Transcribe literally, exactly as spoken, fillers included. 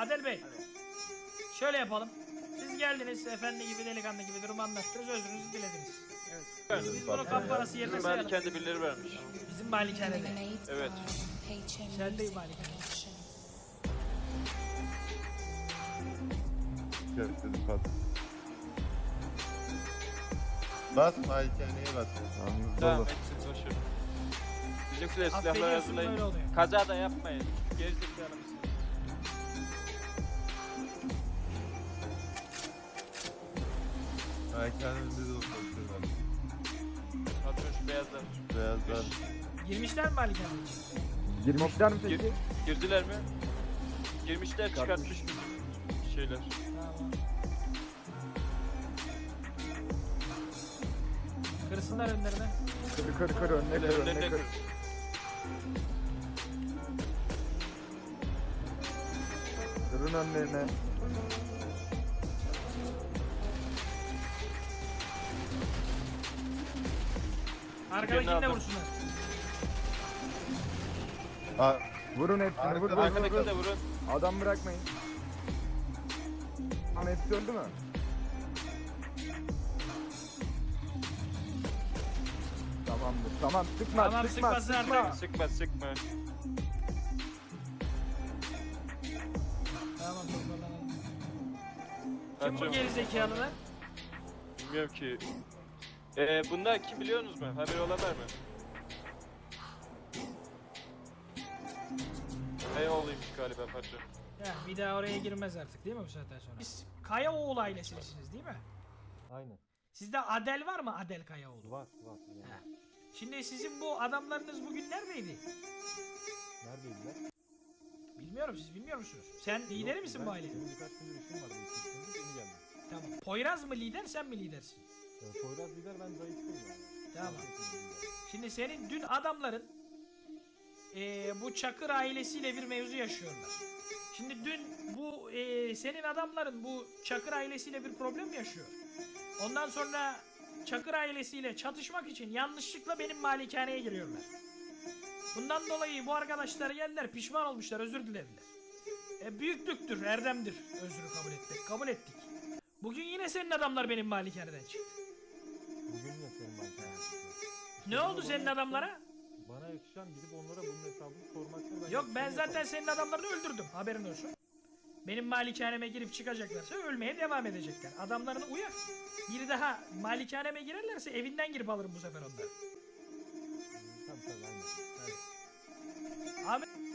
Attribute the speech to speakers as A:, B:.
A: Adel Bey. Şöyle yapalım. Siz geldiniz efendi gibi delikanlı gibi durumu anlattınız, özrünüzü dilediniz.
B: Evet.
A: Biz bunu kamp parası yerine
B: Bizim
A: sayalım.
B: malikende birileri vermiş.
A: Bizim malikanede.
B: Evet.
A: Sen değil malikane.
C: Evet dedim pat. Bas malikaneye bas.
B: Tamam etsin boşver. Bizimkiler silahları
A: Affediyorsun, böyle
B: hazırlayın.
A: oluyor.
B: Kaza da yapmayın. Gerizekalı mısın?
C: Malikanenin önünde de oturuyorlar.
B: Patron şu beyazlar.
C: Beyazlar.
A: Girmişler mi malikaneye?
D: Girmişler mi peki?
B: Gir, girdiler mi? Girmişler, çıkartmış bizim şeyler.
A: Tamam. Kırsınlar önlerine.
D: Kır kır kır önüne
B: Öyle
D: kır
B: önlerine
D: önüne kır.
B: kır.
D: Kırın önlerine.
A: Arkadakini de
B: aldım.
A: vursunlar.
C: Aa,
D: Vurun hepsini vur vur vur.
B: Arkadakini de vurun.
D: Adam bırakmayın. Tamam hepsi öldü mü? Tamamdır. Tamam sıkma
A: Tamam,
D: sıkma
A: sıkmasın
D: sıkma.
A: artık.
B: Sıkma sıkma.
A: Tamam, toparlanalım. Kim bu
B: Patron,
A: gerizekalılar?
B: bilmiyorum ki. Ee, bunlar kim biliyorsunuz mu? Haberi olan var mı? Beyoğlu'ymuş galiba patron.
A: Ya bir daha oraya girmez artık değil mi bu saatten sonra? Siz Kayaoğlu ailesisiniz değil mi?
E: Aynen.
A: Sizde Adel var mı, Adel Kayaoğlu?
E: Var var. Yani.
A: Ha. Şimdi sizin bu adamlarınız bugün neredeydi?
E: Neredeydiler?
A: Bilmiyorum, siz bilmiyor musunuz? Sen lideri
E: Yok,
A: misin
E: ben-
A: bu ailenin?
E: Benim birkaç gündür işim vardı. İki üç gündür yeni geldim.
A: Tamam. Poyraz mı lider, sen mi lidersin?
E: Ee, Poyraz lider, ben zayıftayım yani.
A: Tamam.
E: Zayıftayım lider.
A: Şimdi senin dün adamların eee, bu Çakır ailesiyle bir mevzu yaşıyorlar. Şimdi dün bu eee, senin adamların bu Çakır ailesiyle bir problem yaşıyor. Ondan sonra Çakır ailesiyle çatışmak için yanlışlıkla benim malikaneye giriyorlar. Bundan dolayı bu arkadaşlar geldiler, pişman olmuşlar, özür dilediler. E, büyüklüktür, erdemdir özrü kabul etmek. Kabul ettik. Bugün yine senin adamlar benim malikaneden çıktı.
E: Bugün ya senin bankanın.
A: Ne oldu senin adamlara?
E: Bana yakışan gidip onlara bunun hesabını sormaktır.
A: Yok, ben
E: yaptığımı
A: zaten
E: yaparım.
A: senin adamlarını öldürdüm, haberin olsun. Benim malikaneme girip çıkacaklarsa ölmeye devam edecekler. Adamlarını uyar. Biri daha malikaneme girerlerse evinden girip alırım bu sefer onları.
E: Tabii tabii aynen.
A: Ahmet